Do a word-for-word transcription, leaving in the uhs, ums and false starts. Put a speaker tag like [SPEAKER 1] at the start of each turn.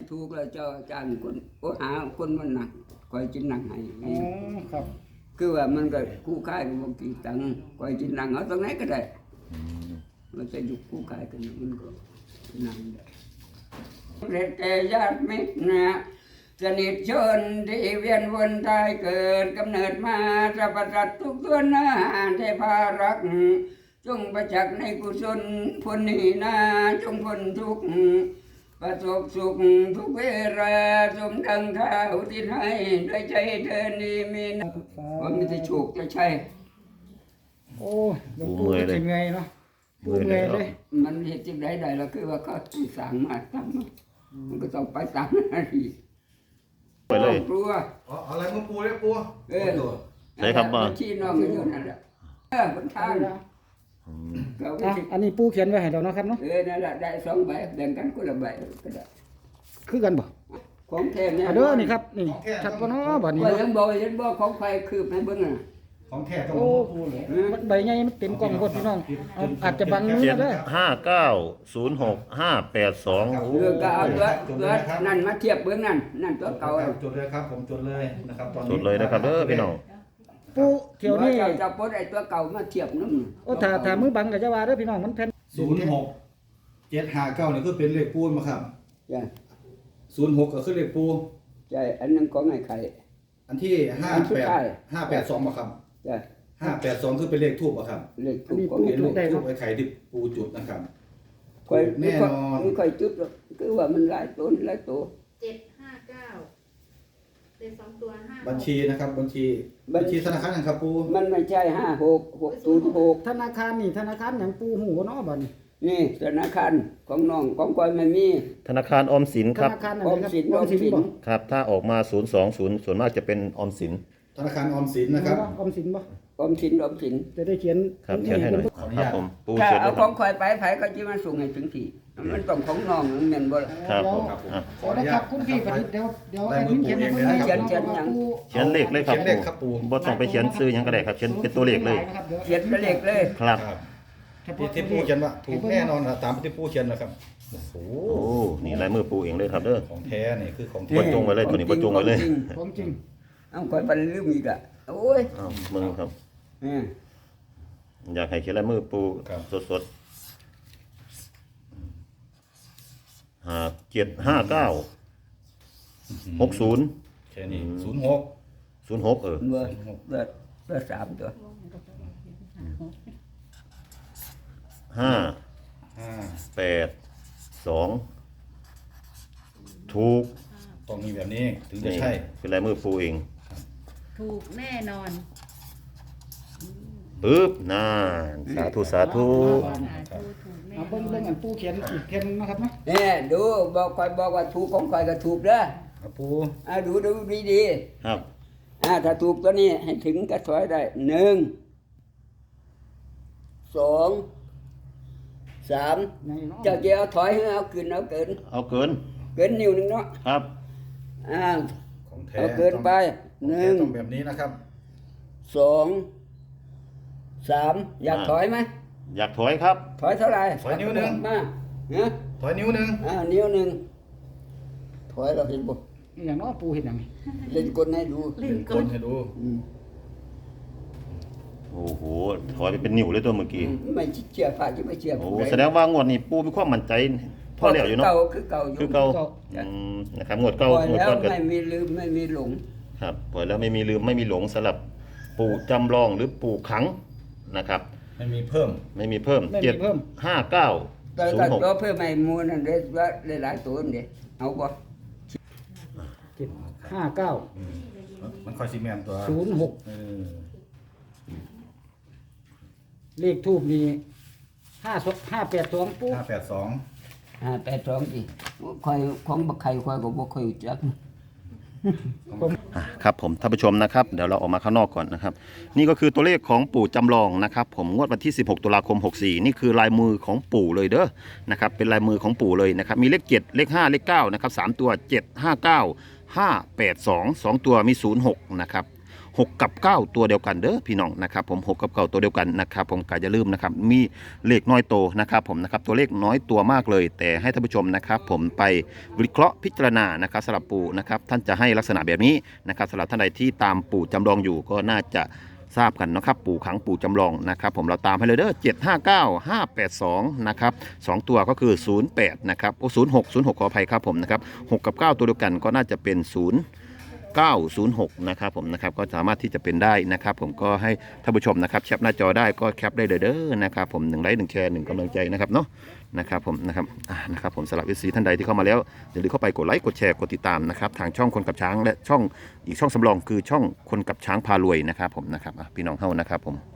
[SPEAKER 1] ถูกแล้วเจ้าจ้างคนโอ้หาคนมันหนักคอยจินหนักให้
[SPEAKER 2] อ๋อครับ
[SPEAKER 1] คือว่ามันก็คู่ค่ายกับบ่กี่ตังค์คอยจินหนักเอาตรงไหนก็ได้มันจะอยู่คู่ค่ายกันมันก็นั่งได้แต่ญาติมิตรนะสนิทชนที่เวียนวนตายเกิดกำเนิดมาสรรพสัตว์ทุกตัวหน้าเทพารักษ์จงประจักษ์ในกุศลพ้นนี้นาจงพ้นทุกข์ประสบสุขทุกเวลาสมดังข้าอุทิศให้ด้วยใจเธอนี้มีนะว่ามีแต่โชคจะใช่
[SPEAKER 2] โอ้หลวงปู่จะเงยเนาะปู่เงยเลย
[SPEAKER 1] มันเหตุใดใดแล้วคือว่าเขาสั่งมาทำมันก็ต้องไปตามหน้าที่
[SPEAKER 3] ไปเลย
[SPEAKER 1] กลัว
[SPEAKER 4] อ๋ออะไรมึงปูเลยปู
[SPEAKER 1] เออ
[SPEAKER 3] ใช่ครับว่า
[SPEAKER 1] ชี้น้องกันอยู่นั่นแหละเออบนทางเราก็
[SPEAKER 2] อ่ะ
[SPEAKER 1] สิ
[SPEAKER 2] อันนี้ปู่เขียนไว้ให้เราเนาะครับเนาะ
[SPEAKER 1] เออนั่นแหละได้สองใบแบ่งกันคนละใบก็ได้
[SPEAKER 2] คือกันบ่
[SPEAKER 1] ของแท้เนี่ย
[SPEAKER 2] อ่ะเด้อนี่ครับนี่ชัดบ่เนาะบัดนี้
[SPEAKER 1] ว่า
[SPEAKER 2] เนาะ
[SPEAKER 1] ยังบอกยังบอกของใครคืบให้เบิ่งน่ะ
[SPEAKER 4] ของแท้ต้อง
[SPEAKER 2] โอ้
[SPEAKER 4] ปูเลย
[SPEAKER 2] มันใบใหญ่มันเต็มกล่องหมดพี่น้องเอาอาจจะบังมือ
[SPEAKER 3] เขียน
[SPEAKER 2] เด้อ
[SPEAKER 3] ห้าเก้าศูนย์หกห้าแปดสอง
[SPEAKER 1] เออก็เอาตัวตัวนั่นมาเทียบเบิ่งนั่นนั่นตัวเก่า
[SPEAKER 4] จดเลยครับผมจดเลยนะครับตอนนี้
[SPEAKER 3] สุดเลยนะครับเด้อพี่น้อง
[SPEAKER 2] ปู่เที่ยวนี้
[SPEAKER 1] เจ้าจะปลดไอ้ตัวเก่ามาเทียบนำ
[SPEAKER 2] โอ้ถ้าถ้ามือบังก็จะว่าเด้อพี่น้องมันแผ่น
[SPEAKER 4] ศูนย์หกเจ็ดห้าเก้านี่คือเป็นเลขปูนมาครับ
[SPEAKER 1] จ้ะ
[SPEAKER 4] ศูนย์หกก็คือเลขปู
[SPEAKER 1] ใช่อันนั้นของไอ้ไข่
[SPEAKER 4] อันที่ห้า
[SPEAKER 1] อันสุ
[SPEAKER 4] แป
[SPEAKER 1] ด
[SPEAKER 4] ด
[SPEAKER 1] ท้าย
[SPEAKER 4] ห้าแปดสองมาครับ
[SPEAKER 1] จ้ะ
[SPEAKER 4] ห้าแปดสองคือเป็นเลขทูบอะครับ
[SPEAKER 1] เลขถูกของ
[SPEAKER 4] เป็นเลขทูบไอ้ไข่ที่ปูจุดนะครับ
[SPEAKER 1] ค่อย
[SPEAKER 4] แน่นอน
[SPEAKER 1] ไม่ค่อยจุดหรอกคือว่ามันหลายต้นหลายตัว
[SPEAKER 5] เจ็ดห้าเก้าเลขสองตัวห้า
[SPEAKER 4] บัญชีนะครับบัญชีบัญชีธนาคารนะครับปู
[SPEAKER 1] มันไม่ใช่ห้าหกหกศูนย์หก
[SPEAKER 2] ธนาคารนี่ธนาคารหยังปู่หูเนาะบัดนี้
[SPEAKER 1] นี่ธนาคารของน้องของก้อยไม่มี
[SPEAKER 3] ธนาคารออมสิน
[SPEAKER 2] ธ
[SPEAKER 3] ครับ
[SPEAKER 2] นาคารอัน
[SPEAKER 1] ออม
[SPEAKER 2] ไหนครับ
[SPEAKER 1] สิน
[SPEAKER 2] อ
[SPEAKER 1] อ
[SPEAKER 2] อ
[SPEAKER 1] อ
[SPEAKER 2] ม
[SPEAKER 1] ม
[SPEAKER 2] สิน
[SPEAKER 1] สิน
[SPEAKER 2] บ่
[SPEAKER 3] ครับถ้าออกมาศูนย์สองศูนย์ส่วนมากจะเป็นออมสิน
[SPEAKER 4] ธนาคารออมสินนะครับ
[SPEAKER 2] ออมสินบ่
[SPEAKER 1] ออมสินออมสิน
[SPEAKER 2] จะได้เขียน
[SPEAKER 3] ครับเขียนให้หน่อย
[SPEAKER 4] ขออนุ
[SPEAKER 3] ครั
[SPEAKER 4] ญา
[SPEAKER 3] บ
[SPEAKER 4] ต
[SPEAKER 3] ผมปู
[SPEAKER 1] ถ้า
[SPEAKER 3] เขียน
[SPEAKER 1] เอา
[SPEAKER 3] ด้วย
[SPEAKER 1] ข
[SPEAKER 3] ครั
[SPEAKER 1] อบ งข่อยไปไผก็จะมาส่งให้ถึงที่มันต้องของน้องมันแม่นบ่ล่ะ
[SPEAKER 3] ครับ
[SPEAKER 2] เดี๋ยว
[SPEAKER 3] ผมอ่ะ
[SPEAKER 4] ขออ
[SPEAKER 2] แล้
[SPEAKER 4] นุ
[SPEAKER 2] ว
[SPEAKER 4] ญา
[SPEAKER 2] ครั
[SPEAKER 4] ต
[SPEAKER 2] บคุณพี่ประดิษฐ์เดี๋ยวเดี๋ยว
[SPEAKER 4] ได้
[SPEAKER 2] ไอ้
[SPEAKER 4] มือ
[SPEAKER 2] นี่
[SPEAKER 4] ปู่
[SPEAKER 2] เขียน
[SPEAKER 4] เอ
[SPEAKER 2] ให้
[SPEAKER 4] ง
[SPEAKER 2] เพิ่น
[SPEAKER 4] เลยนะครับ
[SPEAKER 2] ปู่
[SPEAKER 3] เขียนเลขเลยครับ
[SPEAKER 4] เขียนเลขครับปู
[SPEAKER 3] บ่ต้องไปเขียนซื้อหยังก็ได้ครับเขียนเป็นตัวเลขเลย
[SPEAKER 1] เขียนเป็นเลขเลย
[SPEAKER 3] ครับ
[SPEAKER 4] ที่ที่ปูเขียนว่าถูกแน่นอนนะตามที่ปูเขียนนะครับโอ้โห
[SPEAKER 3] โอ้นี่ลายมือปูเองเลยครับเด้อ
[SPEAKER 4] ของแท้นี่คือของ
[SPEAKER 3] บ
[SPEAKER 4] แท้
[SPEAKER 3] นจงไว้เลยตัวนี้บนจงไว้เลย
[SPEAKER 2] ของจริง
[SPEAKER 1] เอาข่อยไปลืมอีกอ่ะโอ้ย
[SPEAKER 3] อ้าวมึงครับ
[SPEAKER 1] เออ
[SPEAKER 3] อยากให้เขียนลายมือปูสดๆห้าเจ็ดห้าเก้าหกศูนย์
[SPEAKER 4] แค่นี้ศูนย์หก
[SPEAKER 3] ศูนย์หกเออ
[SPEAKER 1] เบอร์เบอร์เบอร์สามตัว
[SPEAKER 3] ห้า
[SPEAKER 4] ห้า
[SPEAKER 3] แปดสองถูก
[SPEAKER 4] ต้องมีแบบนี้ถึงจะใช่
[SPEAKER 3] นี่เป็นลายมือปูเอง
[SPEAKER 5] ถูกแน่นอน
[SPEAKER 3] ปึ๊บน่าสาธุสาธุ
[SPEAKER 5] สาธุถูกแน่
[SPEAKER 2] เอา
[SPEAKER 5] น
[SPEAKER 2] เบิ่งเบิ่ง
[SPEAKER 5] อน
[SPEAKER 2] อันปู่เขียนอีกเขียนนึงนะครับเนาะ
[SPEAKER 1] เนี่ยดูบอกข่อยบอกว่าถูกของข่อยก็ถูกเด้อ
[SPEAKER 4] ครับปู
[SPEAKER 1] อ่าดูดูดี
[SPEAKER 3] ครับ
[SPEAKER 1] ๆอ่าถ้าถูกตัวนี้ให้ถึงก็ถอยได้หนึ่งสองสาม
[SPEAKER 2] ในเนาะ
[SPEAKER 1] เจ้าจะเอาถอยให้เอาขึ้นเอาเกิน
[SPEAKER 3] เอาเกิน
[SPEAKER 1] เกินนิ้วหนึงเนาะ
[SPEAKER 3] ครับ
[SPEAKER 1] อ่า
[SPEAKER 4] ของแท้
[SPEAKER 1] เอาเกินไป
[SPEAKER 4] ของ
[SPEAKER 1] ห
[SPEAKER 4] แท้
[SPEAKER 1] นึ่ง
[SPEAKER 4] ต้องแบบนี้นะครับ
[SPEAKER 1] สองสามอยากถอยไหม
[SPEAKER 3] อยากถอยครับ
[SPEAKER 1] ถอยเท่าไหร่
[SPEAKER 4] ถอยนิ้วหนึ่ง
[SPEAKER 1] มาเนาะ
[SPEAKER 4] ถอยนิ้วหนึ่ง
[SPEAKER 1] อ่านิ้วหนึ่งถอยเราเห็นบ่
[SPEAKER 2] อหย่างเนาะปู่เห็นหยังนี่
[SPEAKER 1] เล่นกลให้ดู
[SPEAKER 5] ลิ้น
[SPEAKER 4] ค
[SPEAKER 5] ก้น
[SPEAKER 4] นให้ดู
[SPEAKER 1] อืม
[SPEAKER 3] โอ้โหถอยไปเป็นนิ้วเลยตัวเมื่อกี้
[SPEAKER 1] ไม่เชื่อพระจะไม่เชื่อ
[SPEAKER 3] โอ้
[SPEAKER 1] ผู้ใ
[SPEAKER 3] แสดงว่างวดนี้ปูมีความมั่นใจพอแล้วอยู่เนาะ
[SPEAKER 1] เก่าคือเก่าอยู่
[SPEAKER 3] คือเก่าอืมนะครับงวด
[SPEAKER 1] ปล่
[SPEAKER 3] เก่า
[SPEAKER 1] อย
[SPEAKER 3] งวด
[SPEAKER 1] แล้ว
[SPEAKER 3] ก่อนก็
[SPEAKER 1] ไม่มีลืมไม่มีหลง
[SPEAKER 3] ครับปล่อยแล้วไม่มีลืมไม่มีหลงสำหรับปู่จำลองหรือปู่ขังนะครับ
[SPEAKER 4] ไม่มีเพิ่ม
[SPEAKER 3] ไม่มีเพิ่ม
[SPEAKER 2] ไม่
[SPEAKER 3] เจ็
[SPEAKER 2] มี
[SPEAKER 3] ด
[SPEAKER 2] เพิ่ม
[SPEAKER 3] ห้าเก้า
[SPEAKER 1] แต่
[SPEAKER 3] ศูน
[SPEAKER 1] ก็
[SPEAKER 3] ย์หก
[SPEAKER 1] ตัวเพื่อไม่มูลนั่นเด้ว่าหลายๆตัวนี่เอาบ่
[SPEAKER 2] เจ็ดห้าเก้า
[SPEAKER 4] มันคอยซีเมนตัว
[SPEAKER 2] ศูนย์หก
[SPEAKER 4] เออ
[SPEAKER 2] เลขทูบนี่ห้าสห้าแปดสองปู่
[SPEAKER 4] ห้าแปดสอง
[SPEAKER 1] อ่าแปดสองสิคอยของบักไข่คอยก็บ่ค่อยรู้จัก
[SPEAKER 3] อ่ะครับผมท่านผู้ชมนะครับเดี๋ยวเราออกมาข้างนอกก่อนนะครับ นี่ก็คือตัวเลขของปู่จำลองนะครับ ผมงวดวันที่สิบหกตุลาคมหกสี่นี่คือลายมือของปู่เลยเด้อนะครับเป็นลายมือของปู่เลยนะครับมีเลขเจ็ดเลขห้าเลขเก้านะครับสามตัวเจ็ดห้าเก้าห้าแปดสองสองตัวมีศูนย์หกนะครับหกกับเก้าตัวเดียวกันเด้อพี่น้องนะครับผมหกกับเก้าตัวเดียวกันนะครับผมก็อย่าลืมนะครับมีเลขน้อยโตนะครับผมนะครับตัวเลขน้อยตัวมากเลยแต่ให้ท่านผู้ชมนะครับผมไปวิเคราะห์พิจารณานะครับสำหรับปู่นะครับท่านจะให้ลักษณะแบบนี้นะครับสำหรับท่านใดที่ตามปู่จำลองอยู่ก็น่าจะทราบกันนะครับปู่ขังปู่จำลองนะครับผมเราตามให้เลยเด้อเจ็ดห้าเก้าห้าแปดสองนะครับสองตัวก็คือศูนย์แปดนะครับโอ้ศูนย์หกศูนย์หกขออภัยครับผมนะครับหกกับเก้าตัวเดียวกันก็น่าจะเป็นศูนย์เก้าศูนย์หกนะครับผมนะครับก็สามารถที่จะเป็นได้นะครับผมก็ให้ท่านผู้ชมนะครับแคปหน้าจอได้ก็แคปได้เลยเด้อนะครับผมหนึ่งไลค์หนึ่งแชร์หนึ่งกำลังใจนะครับเนาะนะครับผมนะครับอ่านะครับผมสำหรับ เอฟ ซี ท่านใดที่เข้ามาแล้วอย่าลืมเข้าไปกดไลค์กดแชร์กดติดตามนะครับทางช่องคนกับช้างและช่องอีกช่องสำรองคือช่องคนกับช้างพารวยนะครับผมนะครับอ่ะพี่น้องเฮานะครับผม